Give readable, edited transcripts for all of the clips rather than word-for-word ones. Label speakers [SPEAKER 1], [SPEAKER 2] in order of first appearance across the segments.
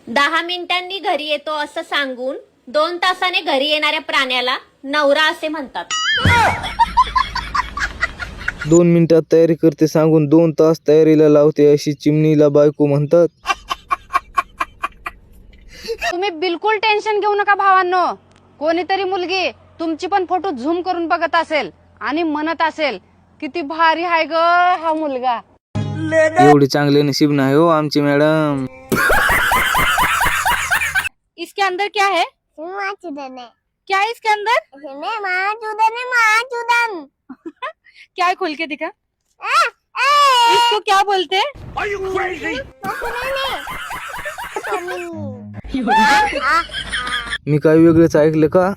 [SPEAKER 1] 10 मिनिटांनी घरी येतो असं सांगून 2 तासाने घरी येणाऱ्या प्राण्याला नवरा असे म्हणतात.
[SPEAKER 2] 2 मिनिटात तयारी करते सांगून 2 तास तयारीला लावते अशी चिमणीला बायको म्हणतात.
[SPEAKER 3] तुम्ही बिलकुल टेन्शन घेऊ नका भावांनो. कोणीतरी मुलगी तुमची पण फोटो झूम करून बघत असेल आणि म्हणत असेल किती भारी आहे ग हा मुलगा.
[SPEAKER 2] एवढे चांगले नशीब नाही हो आमची मॅडम.
[SPEAKER 3] इसके अंदर क्या है? क्या है इसके अंदर? क्या है खोल के दिखा. इसको क्या बोलते हैं?
[SPEAKER 2] मी काय वेगळंच ऐकलं का?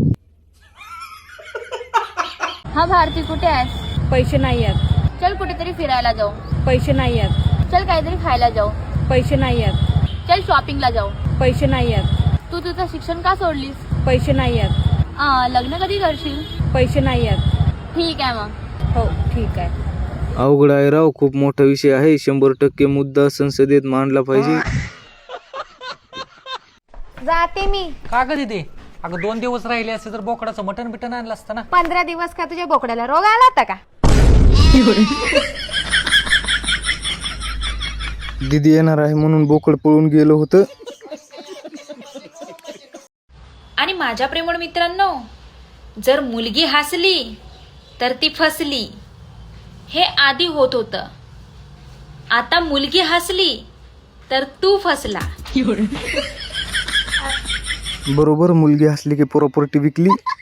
[SPEAKER 4] हा भारती कुठे आहेस?
[SPEAKER 3] पैसे नाही आहेत.
[SPEAKER 4] चल कुठेतरी फिरायला जाऊ.
[SPEAKER 3] पैसे नाही आहेत.
[SPEAKER 4] चल काहीतरी खायला जाऊ.
[SPEAKER 3] पैसे नाही आहेत.
[SPEAKER 4] चल शॉपिंगला जाऊ.
[SPEAKER 3] पैसे नाही आहेत.
[SPEAKER 4] तू तुझं शिक्षण का सोडलीस?
[SPEAKER 3] पैसे नाही आहेत.
[SPEAKER 4] लग्न कधी करशील?
[SPEAKER 3] पैसे नाही आहेत.
[SPEAKER 4] ठीक आहे मग.
[SPEAKER 3] हो ठीक आहे.
[SPEAKER 2] अवघड आहे राव, खूप मोठा विषय आहे. 100% मुद्दा संसदेत मांडला पाहिजे.
[SPEAKER 3] जाते मी.
[SPEAKER 5] का ग दीदी? अगं 2 दिवस राहिले असते तर बोकडाचं मटण बिटन आणलं असतं ना.
[SPEAKER 3] 15 दिवस का तुझ्या बोकड्याला रोग आला होता का?
[SPEAKER 2] दीदी येणार आहे म्हणून बोकड पळून गेलं होतं.
[SPEAKER 6] आणि माझ्या प्रेमळ मित्रांनो, जर मुलगी हसली तर ती फसली, हे आधी होत होतं. आता मुलगी हसली तर तू फसला.
[SPEAKER 2] बरोबर, मुलगी हसली की प्रॉपर्टी विकली.